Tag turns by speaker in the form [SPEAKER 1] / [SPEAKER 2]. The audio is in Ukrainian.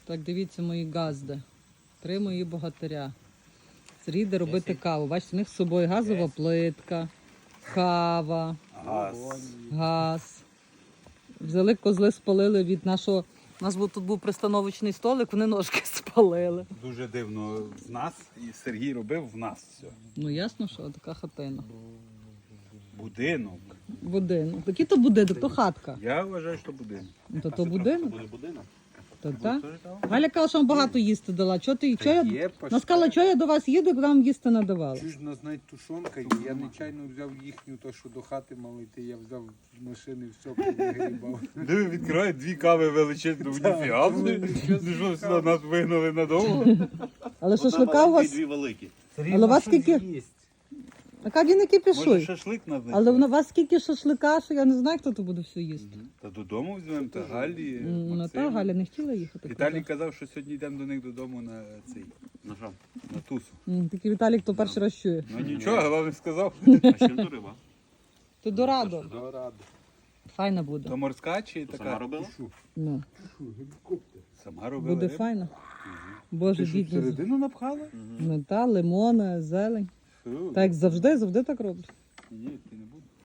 [SPEAKER 1] Так, дивіться мої газди. 3 мої богатиря. Сергій йде робити каву. Бачите, у них з собою газова плитка, кава, газ. Взяли козли, спалили від нашого... У нас тут був пристановочний столик, вони ножки спалили.
[SPEAKER 2] Дуже дивно в нас, і Сергій робив в нас все.
[SPEAKER 1] Ну ясно, що така хатина.
[SPEAKER 2] Будинок.
[SPEAKER 1] Будинок. Який то будинок, то хатка.
[SPEAKER 2] Я вважаю, що будинок.
[SPEAKER 1] Ну, то будинок.
[SPEAKER 3] Буде будинок?
[SPEAKER 1] То та. Галя каже, що вам багато їсти дала. Чого ти? Чого я... Вона сказала, що я до вас їду, коли вам їсти надавала.
[SPEAKER 4] Чуж нас навіть тушонка, і я нечайно взяв їхню, то що до хати мали йти, я взяв з машини все повигрібав.
[SPEAKER 2] Диви, відкриває 2 кави величезні, ніфіга. Ти що, сюди нас вигнали надовго?
[SPEAKER 1] Але шашлика у вас...
[SPEAKER 3] Дві великі.
[SPEAKER 1] Але у вас скільки... Така він не
[SPEAKER 2] Може
[SPEAKER 1] кипішуй.
[SPEAKER 2] шашлик нас знайти?
[SPEAKER 1] Але у вас скільки шашлика, що я не знаю, хто то буде все їсти.
[SPEAKER 2] Та додому візьмемо, та Галі,
[SPEAKER 1] Ну та
[SPEAKER 2] Максиму.
[SPEAKER 1] Галя не хотіла їхати.
[SPEAKER 2] Віталій казав, що сьогодні йдемо до них додому на цей,
[SPEAKER 3] На що?
[SPEAKER 2] на тусу.
[SPEAKER 1] Такий Віталік то перший раз чує.
[SPEAKER 2] Ну нічого, головне сказав.
[SPEAKER 3] А ще то риба.
[SPEAKER 1] То дорадо.
[SPEAKER 4] Дорадо.
[SPEAKER 1] Файна буде.
[SPEAKER 2] То морська чи
[SPEAKER 3] Сама
[SPEAKER 2] така?
[SPEAKER 3] робила?
[SPEAKER 1] Ну,
[SPEAKER 2] Сама робила.
[SPEAKER 1] буде
[SPEAKER 2] рибу?
[SPEAKER 1] файна. Боже,
[SPEAKER 2] Ти що,
[SPEAKER 1] бідні.
[SPEAKER 2] всередину напхала?
[SPEAKER 1] Ну та, лимони, зелень.
[SPEAKER 2] Фу.
[SPEAKER 1] Так як завжди так роблять.
[SPEAKER 2] Ні, ти не будеш.